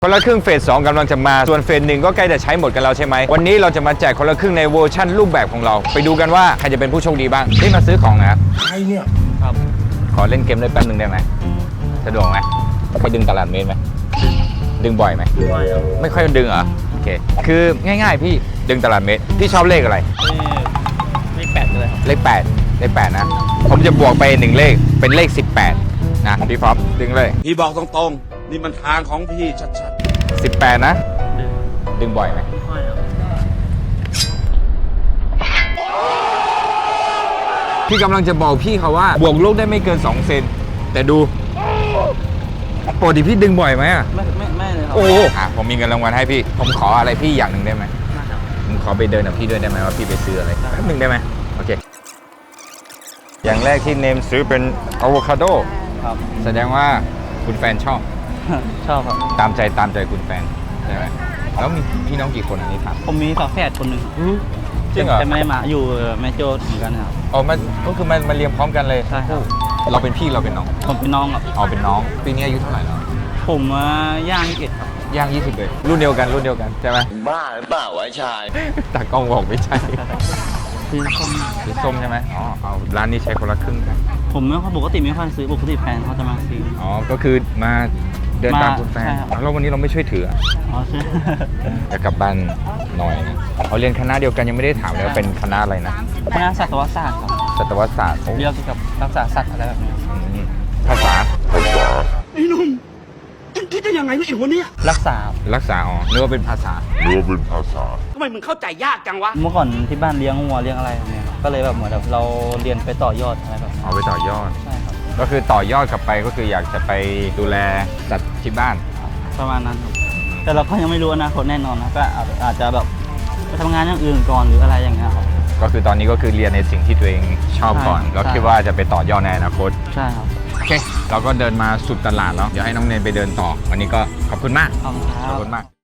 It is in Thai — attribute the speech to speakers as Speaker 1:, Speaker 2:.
Speaker 1: คนละครึ่งเฟส 2กำลังจะมาส่วนเฟส 1ก็ใกล้จะใช้หมดกันแล้วใช่ไหมวันนี้เราจะมาแจกคนละครึ่งในเวอร์ชั่นรูปแบบของเราไปดูกันว่าใครจะเป็นผู้โชคดีบ้างที่มาซื้อของนะครับ
Speaker 2: ใครเนี่ย
Speaker 3: ครับ
Speaker 1: ขอเล่นเกมได้แป๊บนึงได้ไหมสะดวกไหมเคยดึงตลาดเมตรไหมดึงบ่อยไหมไม่ค่อยดึงเหรอโอเคคือง่ายๆพี่ดึงตลาดเมตรพี่ชอบเลขอะไร
Speaker 3: เลข8เลยครับ
Speaker 1: เลข8นะผมจะบวกไป1เลขเป็นเลข18นะพี่ฟอปดึงเลย
Speaker 2: พี่บอกตรงๆนี่มันทางของพี่ชัด
Speaker 1: 18นะดึงบ่อยไหมพี่กำลังจะบอกพี่เขาว่าบวกลบได้ไม่เกิน2เซนแต่ดูปกติพี่ดึงบ่อยไหมอ่ะ
Speaker 3: ไม่เลยครับ
Speaker 1: โอ้ผมมีเงินรางวัลให้พี่ผมขออะไรพี่อย่างหนึ่งได้ไหมผมขอไปเดินกับพี่ด้วยได้ไหมว่าพี่ไปซื้ออะไรแป๊บหนึ่งได้ไหมโอเคอย่างแรกที่เนมซื้อเป็นอะโวคาโด
Speaker 3: ครับ
Speaker 1: แสดงว่าคุณแฟนชอบ
Speaker 3: ชอบครับ
Speaker 1: ตามใจคุณแฟนใช่ไหมแล้วมีพี่น้องกี่คนอันนี้ถาม
Speaker 3: ผมมีฝาแฝดคนหนึ่ง
Speaker 1: จริงเหรอ
Speaker 3: แต่ไม่ได้มาอยู่แม่โจ้เหมือนกันครับ
Speaker 1: อ๋อมันก็คือมันเรียงพร้อมกันเลย
Speaker 3: ใช่ครับ
Speaker 1: เราเป็นพี่เราเป็นน้อง
Speaker 3: ผมเป็นน้องครับ
Speaker 1: อ๋อเป็นน้องปีนี้อายุเท่าไหร่แล้ว
Speaker 3: ผมย่าง21ครับ
Speaker 1: ย่าง20เลยรุ่นเดียวกันใช่ไหม
Speaker 2: บ้าหรือเปล่าวะชาย
Speaker 1: ตากล้องบอกไม่ใช่
Speaker 3: สี
Speaker 1: ส้มใช่ไหมอ๋อเอาร้านนี้ใช้คนละครึ่งกัน
Speaker 3: ผมปกติไม่ค่อยซื้อปกติแฟนเขาจะมาซื้อ
Speaker 1: อ๋อก็คือมาเดินตามคุณแฟนแล้ววันนี้เราไม่ช่วยถือ
Speaker 3: อ๋อใช่
Speaker 1: จะกลับบ้านหน่อยนะเขาเรียนคณะเดียวกันยังไม่ได้ถามเลยว่าเป็นคณะอะไรนะ
Speaker 3: คณะสัตวศาสตร์ครับ
Speaker 1: สัตวศาสตร์
Speaker 3: เรียกเกี่ยวกับรักษาสัตว์อะไรแบบนี้
Speaker 1: ภาษา
Speaker 2: ไอ้นุ่มคิดได้ยังไงเนี่ยไอ้คนเนี้ย
Speaker 3: รักษา
Speaker 1: อ๋อนึกว่าเป็นภาษา
Speaker 2: ทำไมมึงเข้าใจยากจังวะ
Speaker 3: เมื่อก่อนที่บ้านเลี้ยงวัวเลี้ยงอะไรแบบนี้ก็เลยแบบเหมือนแบบเราเรียนไปต่อยอดอะไรแบบ
Speaker 1: เอาไปต่อยอด
Speaker 3: ใช่ครับ
Speaker 1: ก็คือต่อยอดกลับไปก็คืออยากจะไปดูแลสัตว์ที่บ้าน
Speaker 3: ประมาณนั้นครับแต่เราก็ยังไม่รู้อนาคตแน่นอนนะก็อาจจะแบบไปทำงานอย่างอื่นก่อนหรืออะไรอย่างเงี้ยครับ
Speaker 1: ก็คือตอนนี้ก็คือเรียนในสิ่งที่ตัวเองชอบก่อนแล้วคิดว่าจะไปต่อยอดในอนาคต
Speaker 3: ใช่ครับ
Speaker 1: โอเคเราก็เดินมาสุดตลาดแล้วเดี๋ยวให้น้องเนนไปเดินต่อวันนี้ก็ขอบคุณมาก
Speaker 3: ขอบคุณครับ
Speaker 1: ขอบคุณมาก